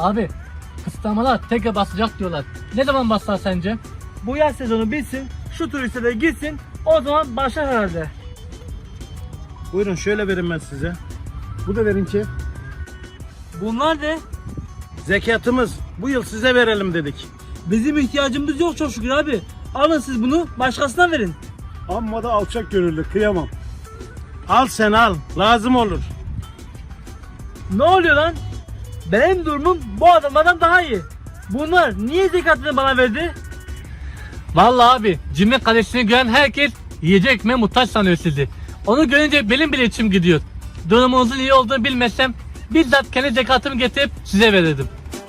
Abi kısıtlamalar tekrar basacak diyorlar. Ne zaman basar sence? Bu yaz sezonu bitsin, şu turiste de gitsin, o zaman başlar herhalde. Buyurun şöyle verin ben size. Bu da verin ki. Bunlar ne? Zekatımız. Bu yıl size verelim dedik. Bizim ihtiyacımız yok çok şükür abi. Alın siz bunu, başkasına verin. Amma da alçak gönüllü, kıyamam. Al sen al, lazım olur. Ne oluyor lan? Benim durumum bu adamlardan daha iyi. Bunlar niye zekatını bana verdi? Vallahi abi cimri kalesini gören herkes yiyecek ekmeğe muhtaç sanıyor sizi. Onu görünce benim bile içim gidiyor. Durumunuzun iyi olduğunu bilmesem bizzat kendi zekatımı getirip size verirdim.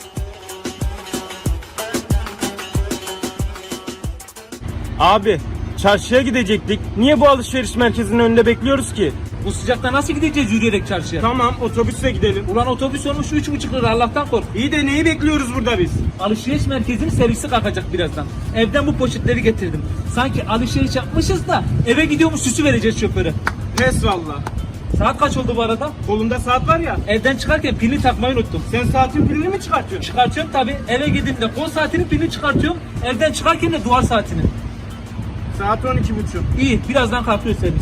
Abi, çarşıya gidecektik. Niye bu alışveriş merkezinin önünde bekliyoruz ki? Bu sıcakta nasıl gideceğiz yürüyerek çarşıya? Tamam, otobüsle gidelim. Ulan otobüs olmuş 3,5 lira, Allah'tan kork. İyi de neyi bekliyoruz burada biz? Alışveriş merkezinin servisi kalkacak birazdan. Evden bu poşetleri getirdim. Sanki alışveriş yapmışız da eve gidiyormuş süsü vereceğiz şoföre. Pes valla. Saat kaç oldu bu arada? Kolunda saat var ya. Evden çıkarken pilini takmayı unuttum. Sen saatin pilini mi çıkartıyorsun? Çıkartıyorum tabi. Eve gidince kol saatinin pilini çıkartıyorum. Evden çıkarken de duvar saatini. Saat 12.30. İyi, birazdan kalkıyor servis.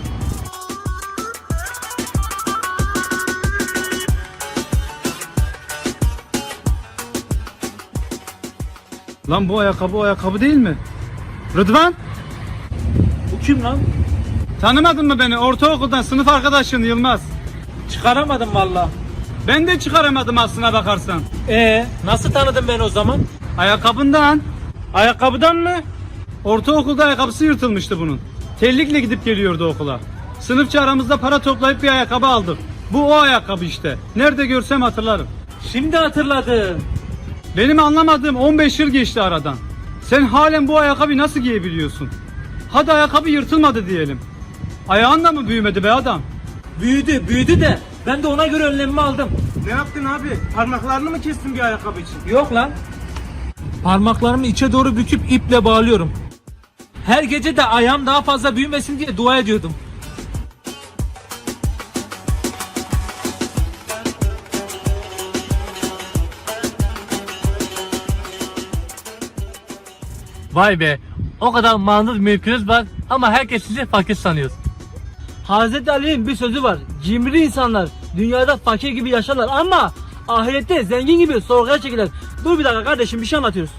Lan bu ayakkabı değil mi? Rıdvan, Bu kim lan? tanımadın mı beni? Ortaokuldan sınıf arkadaşın Yılmaz. Çıkaramadım valla. Ben de çıkaramadım aslına bakarsan. Nasıl tanıdın beni o zaman? Ayakkabından. Ayakkabıdan mı? Ortaokulda ayakkabısı yırtılmıştı bunun. Terlikle gidip geliyordu okula. Sınıfça aramızda para toplayıp bir ayakkabı aldık. Bu o ayakkabı işte. Nerede görsem hatırlarım. Şimdi hatırladım. Benim anlamadığım 15 yıl geçti aradan. Sen halen bu ayakkabıyı nasıl giyebiliyorsun? Hadi ayakkabı yırtılmadı diyelim. Ayağın da mı büyümedi be adam? Büyüdü de ben de ona göre önlemimi aldım. Ne yaptın abi? Parmaklarını mı kestin bir ayakkabı için? Yok lan. Parmaklarımı içe doğru büküp iple bağlıyorum. Her gece de ayağım daha fazla büyümesin diye dua ediyordum. Vay be, o kadar malınız mülkünüz var ama herkes sizi fakir sanıyor. Hazreti Ali'nin bir sözü var. Cimri insanlar dünyada fakir gibi yaşarlar ama ahirette zengin gibi sorguya çekilir. Dur bir dakika kardeşim, bir şey anlatıyoruz.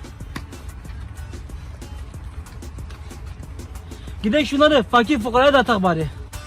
Gidelim şunları fakir fukaraya da atak bari.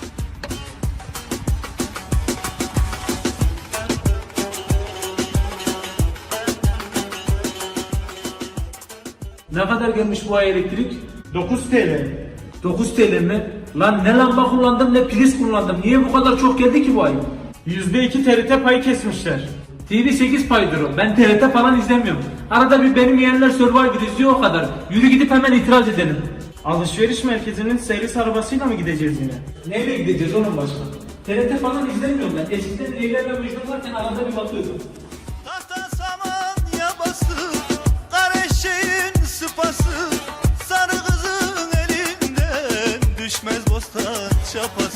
Ne kadar gelmiş bu ay elektrik? 9 TL. 9 TL mi? Lan ne lamba kullandım ne priz kullandım. Niye bu kadar çok geldi ki bu ay? %2 TRT payı kesmişler. TV8 paydır o. Ben TRT falan izlemiyorum. Arada bir benim yeğenler Survivor izliyor, o kadar. Yürü gidip hemen itiraz edelim. Alışveriş merkezinin servis arabasıyla mı gideceğiz yine? Neyle gideceğiz onun başka? TRT falan izlemiyorum ben. Eskiden Leyla ve Mecnun varken arada bir bakıyordum. Tahta saman yabası, kara eşeğin sıpası, sarı kızın elinden düşmez bostan çapası.